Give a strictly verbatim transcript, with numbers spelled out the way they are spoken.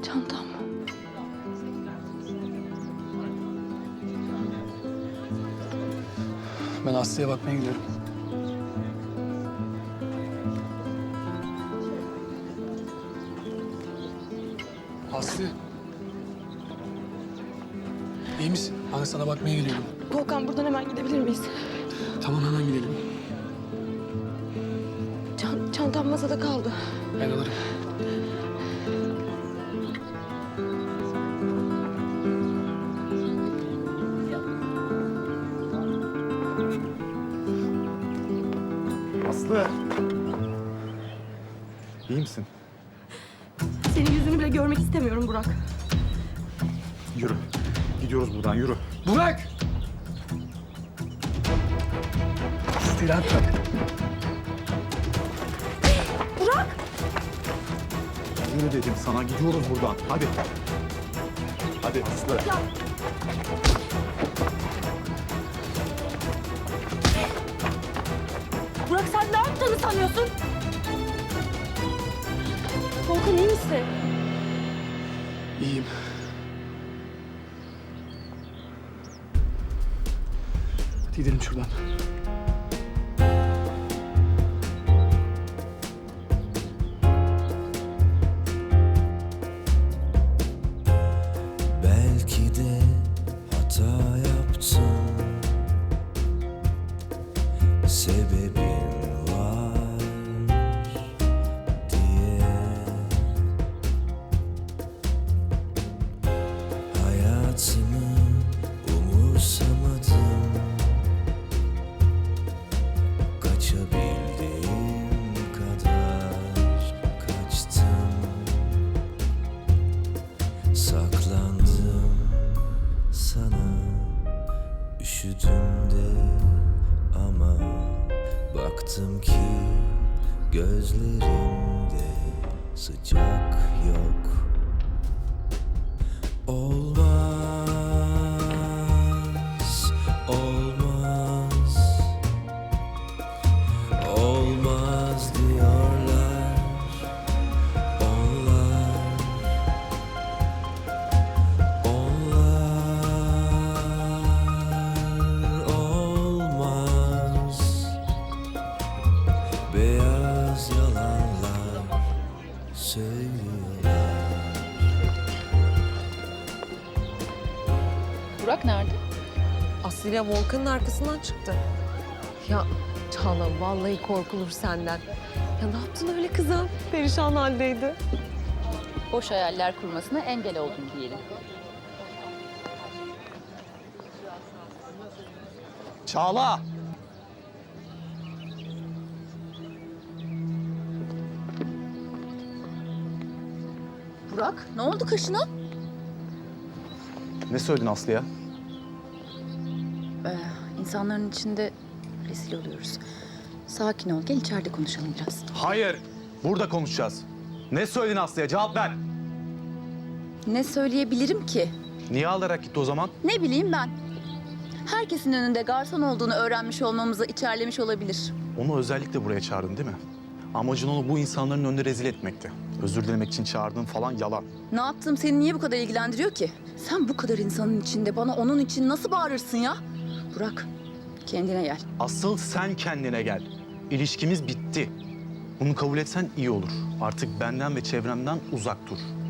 Çantam. Ben Aslı'ya bakmaya gidiyorum. Aslı. İyi misin? Ben sana bakmaya geliyorum. Volkan buradan hemen gidebilir miyiz? Tamam, hemen gidelim. Çan çantam masada kaldı. Ben alırım. Aslı. İyi misin? Senin yüzünü bile görmek istemiyorum Burak. Yürü. Gidiyoruz buradan, yürü. Burak! İstirahat bırak. Burak! Yürü dedim sana, gidiyoruz buradan. Hadi. Hadi Aslı. Ya. Burak sen ne yaptığını sanıyorsun? Volkan iyi misin? İyiyim. Hadi gidelim şuradan. Belki de hata yaptım, sebebim var diye. Hayatımı umursamadım, kaçabildiğim kadar kaçtım. Saklandım sana, üşüdüm de ama baktım ki gözlerinde sıcak yok. Olmaz, olmaz, olmaz diyorlar onlar. Onlar olmaz, beyaz yalanlar söylüyorlar. Burak nerede? Aslı ile Volkan'ın arkasından çıktı. Ya Çağla vallahi korkulur senden. Ya ne yaptın öyle kıza? Perişan haldeydi. Boş hayaller kurmasına engel oldun diyelim. Çağla! Burak, ne oldu kaşına? Ne söyledin Aslı'ya? Ee, insanların içinde rezil oluyoruz. Sakin ol, gel içeride konuşalım biraz. Hayır, burada konuşacağız. Ne söyledin Aslı'ya? Cevap ver. Ne söyleyebilirim ki? Niye alarak gitti o zaman? Ne bileyim ben. Herkesin önünde garson olduğunu öğrenmiş olmamızı içerlemiş olabilir. Onu özellikle buraya çağırdın değil mi? Amacın onu bu insanların önünde rezil etmekti. Özür dilemek için çağırdığın falan yalan. Ne yaptığım seni niye bu kadar ilgilendiriyor ki? Sen bu kadar insanın içinde bana onun için nasıl bağırırsın ya? Burak, kendine gel. Asıl sen kendine gel. İlişkimiz bitti. Bunu kabul etsen iyi olur. Artık benden ve çevremden uzak dur.